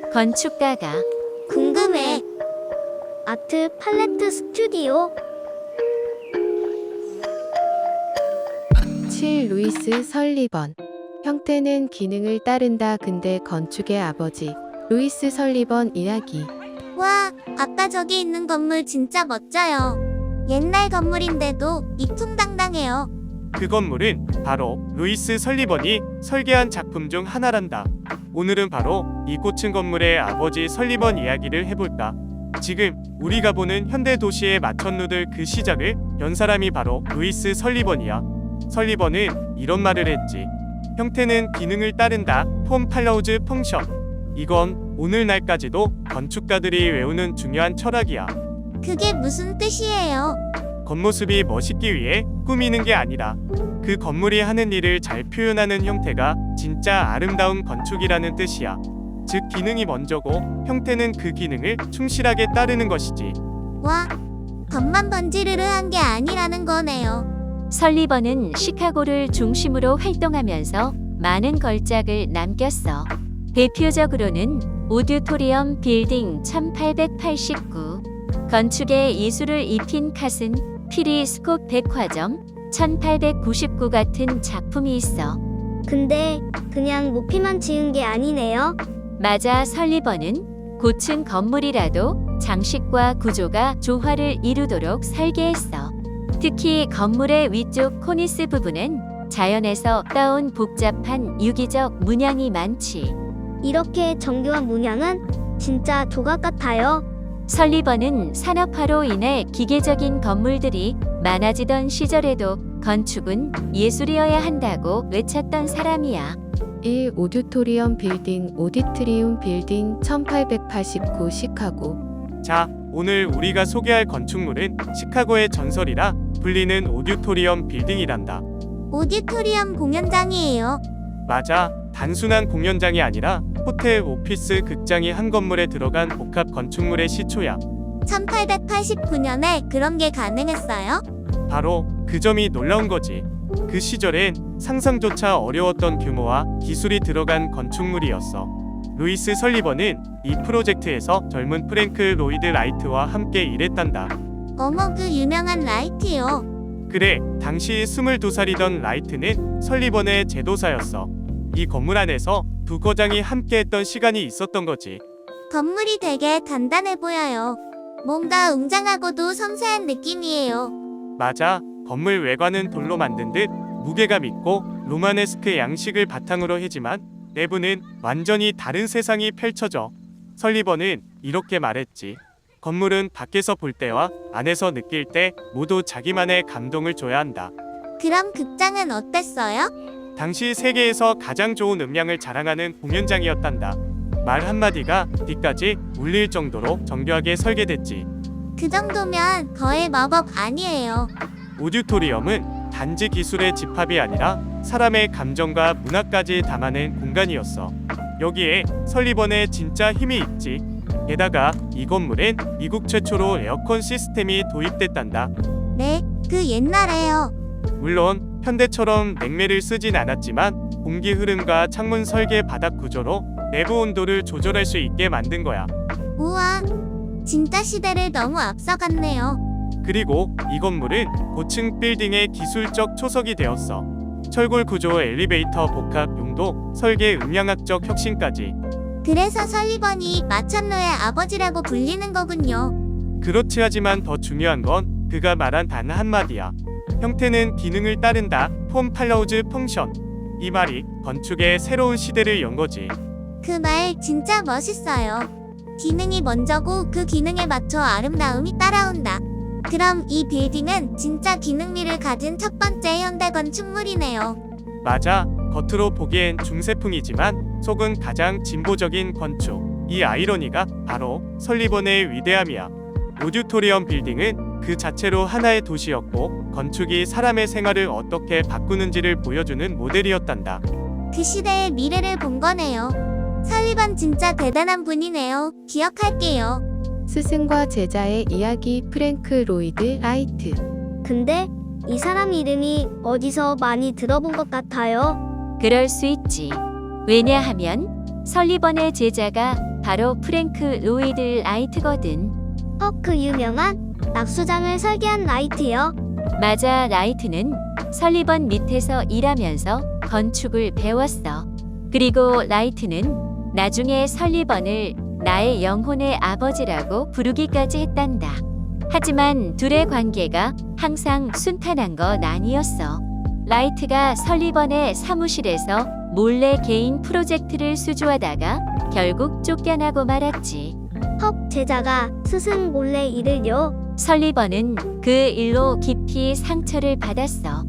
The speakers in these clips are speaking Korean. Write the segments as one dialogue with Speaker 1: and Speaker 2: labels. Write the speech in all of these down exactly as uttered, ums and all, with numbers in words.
Speaker 1: 건축가가
Speaker 2: 궁금해. 아트 팔레트 스튜디오?
Speaker 3: 칠. 루이스 설리번. 형태는 기능을 따른다. 근대 건축의 아버지 루이스 설리번 이야기.
Speaker 2: 와, 아까 저기 있는 건물 진짜 멋져요. 옛날 건물인데도 이퉁당당해요.
Speaker 4: 그 건물은 바로 루이스 설리번이 설계한 작품 중 하나란다. 오늘은 바로 이 고층 건물의 아버지 설리번 이야기를 해볼까. 지금 우리가 보는 현대 도시의 마천루들 그 시작을 연 사람이 바로 루이스 설리번이야. 설리번은 이런 말을 했지. 형태는 기능을 따른다. 폼 팔로우즈 펑션. 이건 오늘날까지도 건축가들이 외우는 중요한 철학이야.
Speaker 2: 그게 무슨 뜻이에요?
Speaker 4: 겉모습이 멋있기 위해 꾸미는 게 아니라 그 건물이 하는 일을 잘 표현하는 형태가 진짜 아름다운 건축이라는 뜻이야. 즉 기능이 먼저고 형태는 그 기능을 충실하게 따르는 것이지.
Speaker 2: 와, 겉만 번지르르한 게 아니라는 거네요.
Speaker 1: 설리번은 시카고를 중심으로 활동하면서 많은 걸작을 남겼어. 대표적으로는 오디토리엄 빌딩 천팔백팔십구, 건축에 이수를 입힌 카슨 피리스콥 백화점 천팔백구십구 같은 작품이 있어.
Speaker 2: 근데 그냥 높이만 지은 게 아니네요.
Speaker 1: 맞아, 설리번은 고층 건물이라도 장식과 구조가 조화를 이루도록 설계했어. 특히 건물의 위쪽 코니스 부분엔 자연에서 따온 복잡한 유기적 문양이 많지.
Speaker 2: 이렇게 정교한 문양은 진짜 조각 같아요.
Speaker 1: 설리번은 산업화로 인해 기계적인 건물들이 많아지던 시절에도 건축은 예술이어야 한다고 외쳤던 사람이야.
Speaker 3: 일. 오디토리엄 빌딩 오디트리움 빌딩 천팔백팔십구 시카고.
Speaker 4: 자, 오늘 우리가 소개할 건축물은 시카고의 전설이라 불리는 오디토리엄 빌딩이란다.
Speaker 2: 오디토리엄 공연장이에요.
Speaker 4: 맞아. 단순한 공연장이 아니라 호텔, 오피스, 극장이 한 건물에 들어간 복합 건축물의 시초야.
Speaker 2: 천팔백팔십구 년에 그런 게 가능했어요?
Speaker 4: 바로 그 점이 놀라운 거지. 그 시절엔 상상조차 어려웠던 규모와 기술이 들어간 건축물이었어. 루이스 설리번은 이 프로젝트에서 젊은 프랭크 로이드 라이트와 함께 일했단다.
Speaker 2: 어머, 그 유명한 라이트요.
Speaker 4: 그래, 당시 스물두 살이던 라이트는 설리번의 제도사였어. 이 건물 안에서 두 거장이 함께했던 시간이 있었던 거지.
Speaker 2: 건물이 되게 단단해 보여요. 뭔가 웅장하고도 섬세한 느낌이에요.
Speaker 4: 맞아, 건물 외관은 돌로 만든 듯 무게감 있고 로마네스크 양식을 바탕으로 하지만 내부는 완전히 다른 세상이 펼쳐져. 설리번은 이렇게 말했지. 건물은 밖에서 볼 때와 안에서 느낄 때 모두 자기만의 감동을 줘야 한다.
Speaker 2: 그럼 극장은 어땠어요?
Speaker 4: 당시 세계에서 가장 좋은 음량을 자랑하는 공연장이었단다. 말 한마디가 뒤까지 울릴 정도로 정교하게 설계됐지.
Speaker 2: 그 정도면 거의 마법 아니에요.
Speaker 4: 오디토리엄은 단지 기술의 집합이 아니라 사람의 감정과 문화까지 담아낸 공간이었어. 여기에 설리번의 진짜 힘이 있지. 게다가 이 건물엔 미국 최초로 에어컨 시스템이 도입됐단다.
Speaker 2: 네, 그 옛날에요.
Speaker 4: 물론 현대처럼 냉매를 쓰진 않았지만 공기 흐름과 창문 설계 바닥 구조로 내부 온도를 조절할 수 있게 만든 거야.
Speaker 2: 우와, 진짜 시대를 너무 앞서갔네요.
Speaker 4: 그리고 이 건물은 고층 빌딩의 기술적 초석이 되었어. 철골 구조, 엘리베이터 복합 용도, 설계 음향학적 혁신까지.
Speaker 2: 그래서 설리번이 마천루의 아버지라고 불리는 거군요.
Speaker 4: 그렇지, 하지만 더 중요한 건 그가 말한 단 한마디야. 형태는 기능을 따른다. 폼 팔로우즈 펑션. 이 말이 건축의 새로운 시대를 연 거지.
Speaker 2: 그 말 진짜 멋있어요. 기능이 먼저고 그 기능에 맞춰 아름다움이 따라온다. 그럼 이 빌딩은 진짜 기능미를 가진 첫 번째 현대 건축물이네요.
Speaker 4: 맞아. 겉으로 보기엔 중세풍이지만 속은 가장 진보적인 건축. 이 아이러니가 바로 설리번의 위대함이야. 오디토리엄 빌딩은 그 자체로 하나의 도시였고 건축이 사람의 생활을 어떻게 바꾸는지를 보여주는 모델이었단다.
Speaker 2: 그 시대의 미래를 본 거네요. 설리번 진짜 대단한 분이네요. 기억할게요.
Speaker 3: 스승과 제자의 이야기 프랭크 로이드 라이트.
Speaker 2: 근데 이 사람 이름이 어디서 많이 들어본 것 같아요.
Speaker 1: 그럴 수 있지. 왜냐하면 설리번의 제자가 바로 프랭크 로이드 라이트거든.
Speaker 2: 어, 그 유명한 낙수장을 설계한 라이트요?
Speaker 1: 맞아, 라이트는 설리번 밑에서 일하면서 건축을 배웠어. 그리고 라이트는 나중에 설리번을 나의 영혼의 아버지라고 부르기까지 했단다. 하지만 둘의 관계가 항상 순탄한 건 아니었어. 라이트가 설리번의 사무실에서 몰래 개인 프로젝트를 수주하다가 결국 쫓겨나고 말았지.
Speaker 2: 헉, 제자가 스승 몰래 일을요?
Speaker 1: 설리번은 그 일로 깊이 상처를 받았어.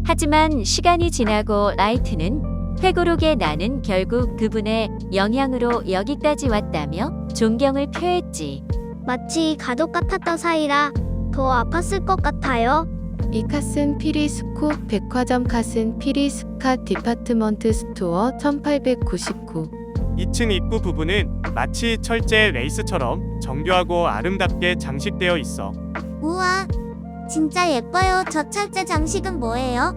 Speaker 1: 하지만 시간이 지나고 라이트는 회고록에 나는 결국 그분의 영향으로 여기까지 왔다며 존경을 표했지.
Speaker 2: 마치 가족 같았던 사이라 더 아팠을 것 같아요.
Speaker 3: 이 칸슨 피리스코 백화점 칸슨 피리스카 디파트먼트 스토어 천팔백구십구.
Speaker 4: 이 층 입구 부분은 마치 철제 레이스처럼 정교하고 아름답게 장식되어 있어.
Speaker 2: 우와, 진짜 예뻐요. 저 철제 장식은 뭐예요?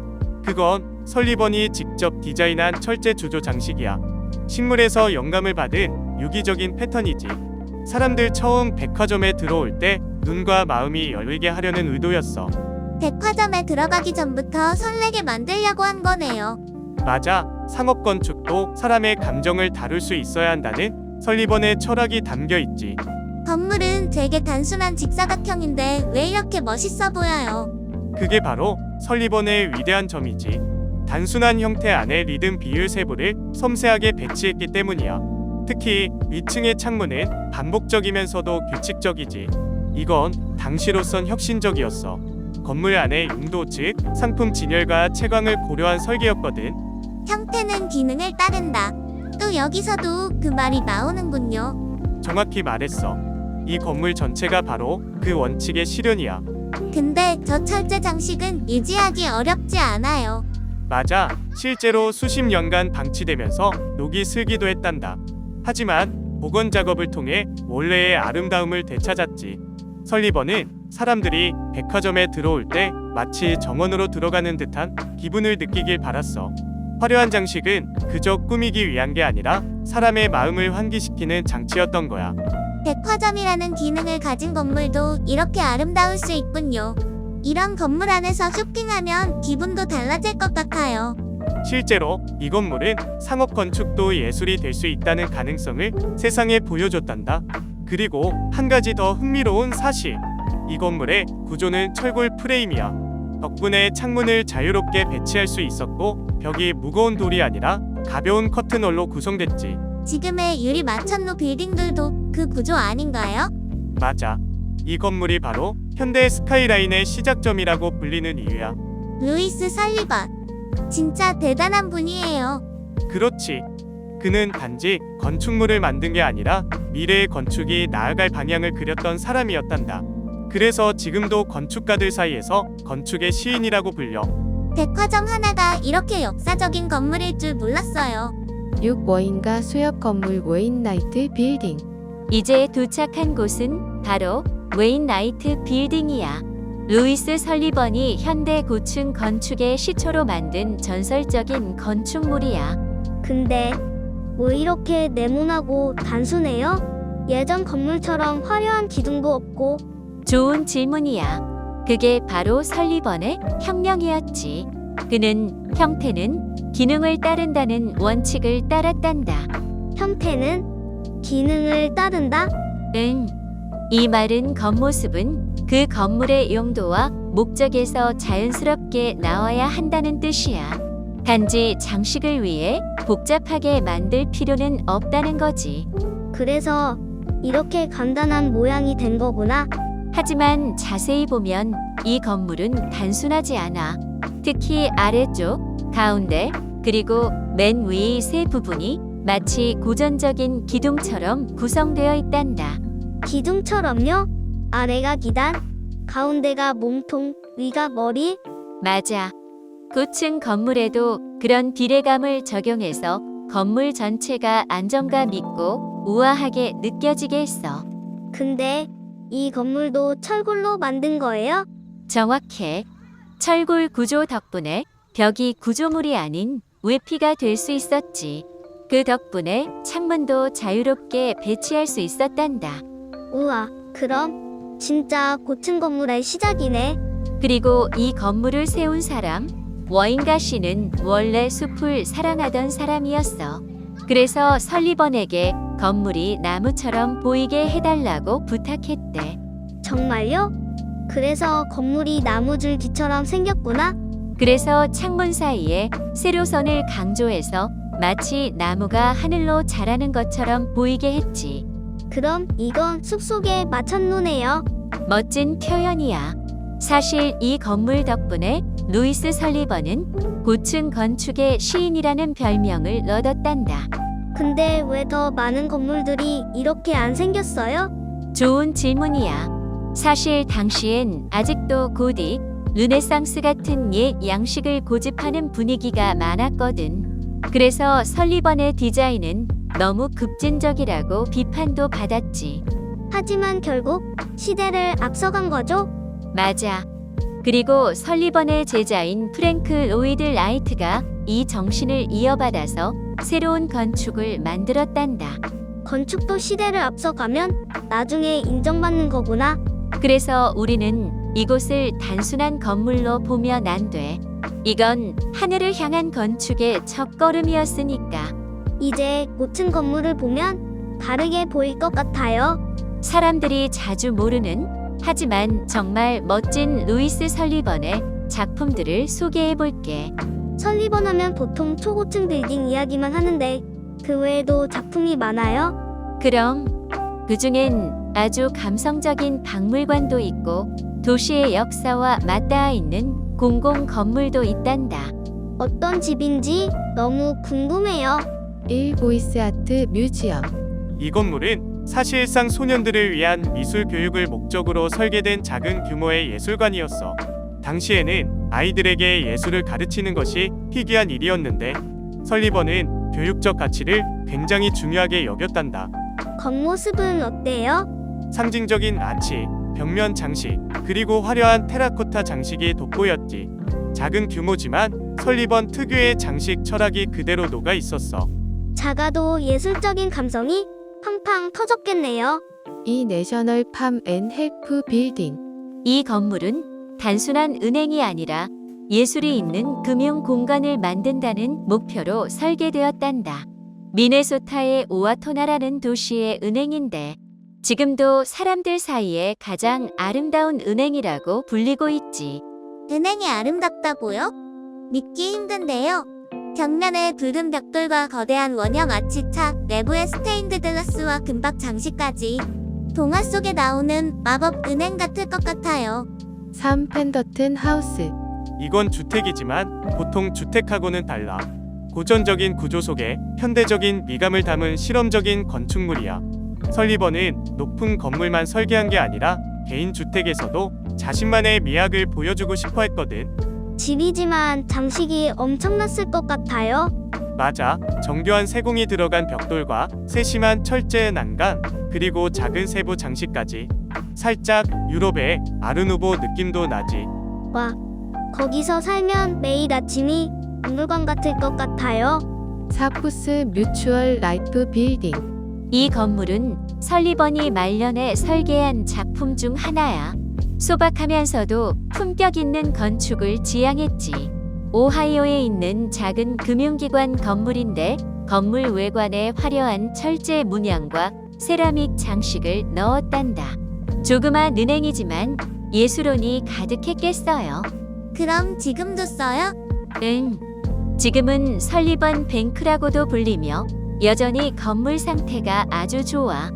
Speaker 4: 그건 설리번이 직접 디자인한 철제 주조 장식이야. 식물에서 영감을 받은 유기적인 패턴이지. 사람들 처음 백화점에 들어올 때 눈과 마음이 열리게 하려는 의도였어.
Speaker 2: 백화점에 들어가기 전부터 설레게 만들려고 한 거네요.
Speaker 4: 맞아. 상업 건축도 사람의 감정을 다룰 수 있어야 한다는 설리번의 철학이 담겨 있지.
Speaker 2: 건물은 되게 단순한 직사각형인데 왜 이렇게 멋있어 보여요?
Speaker 4: 그게 바로 설리번의 위대한 점이지. 단순한 형태 안에 리듬 비율 세부를 섬세하게 배치했기 때문이야. 특히 위층의 창문은 반복적이면서도 규칙적이지. 이건 당시로선 혁신적이었어. 건물 안의 용도 즉 상품 진열과 채광을 고려한 설계였거든.
Speaker 2: 형태는 기능을 따른다. 또 여기서도 그 말이 나오는군요.
Speaker 4: 정확히 말했어. 이 건물 전체가 바로 그 원칙의 실현이야.
Speaker 2: 근데 저 철제 장식은 유지하기 어렵지 않아요.
Speaker 4: 맞아. 실제로 수십 년간 방치되면서 녹이 슬기도 했단다. 하지만 복원 작업을 통해 원래의 아름다움을 되찾았지. 설리번은 사람들이 백화점에 들어올 때 마치 정원으로 들어가는 듯한 기분을 느끼길 바랐어. 화려한 장식은 그저 꾸미기 위한 게 아니라 사람의 마음을 환기시키는 장치였던 거야.
Speaker 2: 백화점이라는 기능을 가진 건물도 이렇게 아름다울 수 있군요. 이런 건물 안에서 쇼핑하면 기분도 달라질 것 같아요.
Speaker 4: 실제로 이 건물은 상업 건축도 예술이 될 수 있다는 가능성을 세상에 보여줬단다. 그리고 한 가지 더 흥미로운 사실. 이 건물의 구조는 철골 프레임이야. 덕분에 창문을 자유롭게 배치할 수 있었고 벽이 무거운 돌이 아니라 가벼운 커튼홀로 구성됐지.
Speaker 2: 지금의 유리 마천루 빌딩들도 그 구조 아닌가요?
Speaker 4: 맞아. 이 건물이 바로 현대 스카이라인의 시작점이라고 불리는 이유야.
Speaker 2: 루이스 설리번. 진짜 대단한 분이에요.
Speaker 4: 그렇지. 그는 단지 건축물을 만든 게 아니라 미래의 건축이 나아갈 방향을 그렸던 사람이었단다. 그래서 지금도 건축가들 사이에서 건축의 시인이라고 불려.
Speaker 2: 백화점 하나가 이렇게 역사적인 건물일 줄 몰랐어요.
Speaker 3: 육 워인가 수역 건물 웨인 나이트 빌딩.
Speaker 1: 이제 도착한 곳은 바로 웨인 나이트 빌딩이야. 루이스 설리번이 현대 고층 건축의 시초로 만든 전설적인 건축물이야.
Speaker 2: 근데 왜 이렇게 네모나고 단순해요? 예전 건물처럼 화려한 기둥도 없고.
Speaker 1: 좋은 질문이야. 그게 바로 설리번의 혁명이었지. 그는 형태는 기능을 따른다는 원칙을 따랐단다.
Speaker 2: 형태는 기능을 따른다?
Speaker 1: 응. 이 말은 겉모습은 그 건물의 용도와 목적에서 자연스럽게 나와야 한다는 뜻이야. 단지 장식을 위해 복잡하게 만들 필요는 없다는 거지.
Speaker 2: 그래서 이렇게 간단한 모양이 된 거구나.
Speaker 1: 하지만 자세히 보면 이 건물은 단순하지 않아. 특히 아래쪽, 가운데, 그리고 맨 위 세 부분이 마치 고전적인 기둥처럼 구성되어 있단다.
Speaker 2: 기둥처럼요? 아래가 기단, 가운데가 몸통, 위가 머리?
Speaker 1: 맞아. 고층 건물에도 그런 비례감을 적용해서 건물 전체가 안정감 있고 우아하게 느껴지게 했어.
Speaker 2: 근데 이 건물도 철골로 만든 거예요?
Speaker 1: 정확해. 철골 구조 덕분에 벽이 구조물이 아닌 외피가 될 수 있었지. 그 덕분에 창문도 자유롭게 배치할 수 있었단다.
Speaker 2: 우와, 그럼 진짜 고층 건물의 시작이네.
Speaker 1: 그리고 이 건물을 세운 사람, 워인가 씨는 원래 숲을 사랑하던 사람이었어. 그래서 설리번에게 건물이 나무처럼 보이게 해달라고 부탁했대.
Speaker 2: 정말요? 그래서 건물이 나무줄기처럼 생겼구나.
Speaker 1: 그래서 창문 사이에 세로선을 강조해서 마치 나무가 하늘로 자라는 것처럼 보이게 했지.
Speaker 2: 그럼 이건 숲속의 마천루네요.
Speaker 1: 멋진 표현이야. 사실 이 건물 덕분에 루이스 설리번은 고층 건축의 시인이라는 별명을 얻었단다.
Speaker 2: 근데 왜 더 많은 건물들이 이렇게 안 생겼어요?
Speaker 1: 좋은 질문이야. 사실 당시엔 아직도 고딕, 르네상스 같은 옛 양식을 고집하는 분위기가 많았거든. 그래서 설리번의 디자인은 너무 급진적이라고 비판도 받았지.
Speaker 2: 하지만 결국 시대를 앞서간 거죠?
Speaker 1: 맞아. 그리고 설리번의 제자인 프랭크 로이드 라이트가 이 정신을 이어받아서 새로운 건축을 만들었단다.
Speaker 2: 건축도 시대를 앞서가면 나중에 인정받는 거구나.
Speaker 1: 그래서 우리는 이곳을 단순한 건물로 보면 안 돼. 이건 하늘을 향한 건축의 첫걸음이었으니까.
Speaker 2: 이제 고층 건물을 보면 다르게 보일 것 같아요.
Speaker 1: 사람들이 자주 모르는 하지만 정말 멋진 루이스 설리번의 작품들을 소개해 볼게.
Speaker 2: 설리번 하면 보통 초고층 빌딩 이야기만 하는데 그 외에도 작품이 많아요?
Speaker 1: 그럼 그 중엔 아주 감성적인 박물관도 있고 도시의 역사와 맞닿아 있는 공공 건물도 있단다.
Speaker 2: 어떤 집인지 너무 궁금해요.
Speaker 3: 일. 보이스 아트 뮤지엄.
Speaker 4: 이 건물은 사실상 소년들을 위한 미술 교육을 목적으로 설계된 작은 규모의 예술관이었어. 당시에는 아이들에게 예술을 가르치는 것이 희귀한 일이었는데 설리번은 교육적 가치를 굉장히 중요하게 여겼단다.
Speaker 2: 겉모습은 어때요?
Speaker 4: 상징적인 아치, 벽면 장식, 그리고 화려한 테라코타 장식이 돋보였지. 작은 규모지만 설리번 특유의 장식 철학이 그대로 녹아 있었어.
Speaker 2: 작아도 예술적인 감성이 팡팡 터졌겠네요.
Speaker 3: 이. 내셔널 팜 앤 헬프 빌딩.
Speaker 1: 이 건물은 단순한 은행이 아니라 예술이 있는 금융 공간을 만든다는 목표로 설계되었단다. 미네소타의 오와토나라는 도시의 은행인데 지금도 사람들 사이에 가장 아름다운 은행이라고 불리고 있지.
Speaker 2: 은행이 아름답다고요? 믿기 힘든데요. 벽면에 붉은 벽돌과 거대한 원형 아치차, 내부에 스테인드 글라스와 금박 장식까지 동화 속에 나오는 마법 은행 같을 것 같아요.
Speaker 3: 삼. 펜더튼 하우스.
Speaker 4: 이건 주택이지만 보통 주택하고는 달라. 고전적인 구조 속에 현대적인 미감을 담은 실험적인 건축물이야. 설리번은 높은 건물만 설계한 게 아니라 개인 주택에서도 자신만의 미학을 보여주고 싶어 했거든.
Speaker 2: 집이지만 장식이 엄청났을 것 같아요.
Speaker 4: 맞아. 정교한 세공이 들어간 벽돌과 세심한 철제 난간, 그리고 작은 세부 장식까지. 살짝 유럽의 아르누보 느낌도 나지.
Speaker 2: 와, 거기서 살면 매일 아침이 박물관 같을 것 같아요.
Speaker 3: 사. 푸스 뮤추얼 라이프 빌딩.
Speaker 1: 이 건물은 설리번이 말년에 설계한 작품 중 하나야. 소박하면서도 품격 있는 건축을 지향했지. 오하이오에 있는 작은 금융기관 건물인데 건물 외관에 화려한 철제 문양과 세라믹 장식을 넣었단다. 조그만 은행이지만 예술혼이 가득했겠어요.
Speaker 2: 그럼 지금도 써요?
Speaker 1: 응. 지금은 설리번 뱅크라고도 불리며 여전히 건물 상태가 아주 좋아.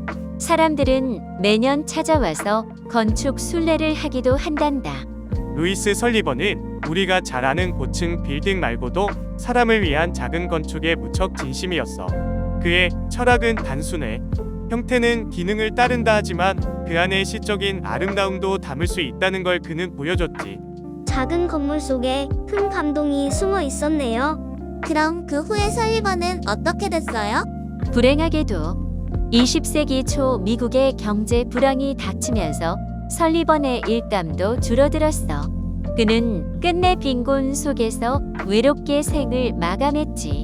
Speaker 1: 사람들은 매년 찾아와서 건축 순례를 하기도 한단다.
Speaker 4: 루이스 설리번은 우리가 잘 아는 고층 빌딩 말고도 사람을 위한 작은 건축에 무척 진심이었어. 그의 철학은 단순해. 형태는 기능을 따른다 하지만 그 안에 시적인 아름다움도 담을 수 있다는 걸 그는 보여줬지.
Speaker 2: 작은 건물 속에 큰 감동이 숨어 있었네요. 그럼 그 후에 설리번은 어떻게 됐어요?
Speaker 1: 불행하게도 이십 세기 초 미국의 경제 불황이 닥치면서 설리번의 일감도 줄어들었어. 그는 끝내 빈곤 속에서 외롭게 생을 마감했지.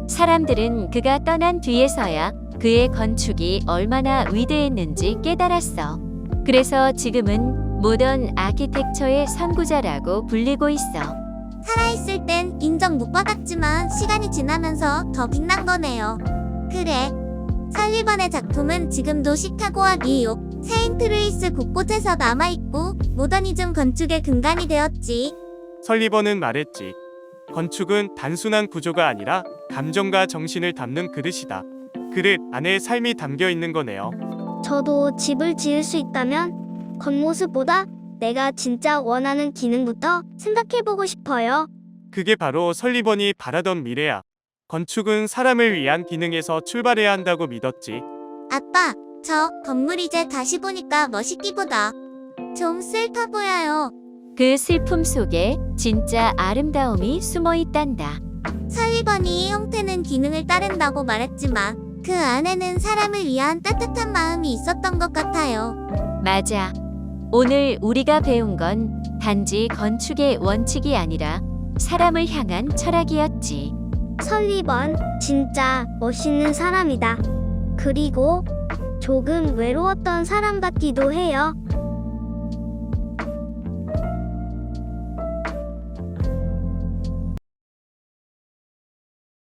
Speaker 1: 사람들은 그가 떠난 뒤에서야 그의 건축이 얼마나 위대했는지 깨달았어. 그래서 지금은 모던 아키텍처의 선구자라고 불리고 있어.
Speaker 2: 살아있을 땐 인정 못 받았지만 시간이 지나면서 더 빛난 거네요. 그래. 설리번의 작품은 지금도 시카고와 뉴욕, 세인트루이스 곳곳에서 남아있고 모더니즘 건축의 근간이 되었지.
Speaker 4: 설리번은 말했지. 건축은 단순한 구조가 아니라 감정과 정신을 담는 그릇이다. 그릇 안에 삶이 담겨 있는 거네요.
Speaker 5: 저도 집을 지을 수 있다면 겉모습보다 내가 진짜 원하는 기능부터 생각해보고 싶어요.
Speaker 4: 그게 바로 설리번이 바라던 미래야. 건축은 사람을 위한 기능에서 출발해야 한다고 믿었지.
Speaker 2: 아빠, 저 건물 이제 다시 보니까 멋있기보다 좀 슬퍼 보여요.
Speaker 1: 그 슬픔 속에 진짜 아름다움이 숨어 있단다.
Speaker 2: 설리번이 형태는 기능을 따른다고 말했지만 그 안에는 사람을 위한 따뜻한 마음이 있었던 것 같아요.
Speaker 1: 맞아. 오늘 우리가 배운 건 단지 건축의 원칙이 아니라 사람을 향한 철학이었지.
Speaker 5: 설리번, 진짜 멋있는 사람이다. 그리고 조금 외로웠던 사람 같기도 해요.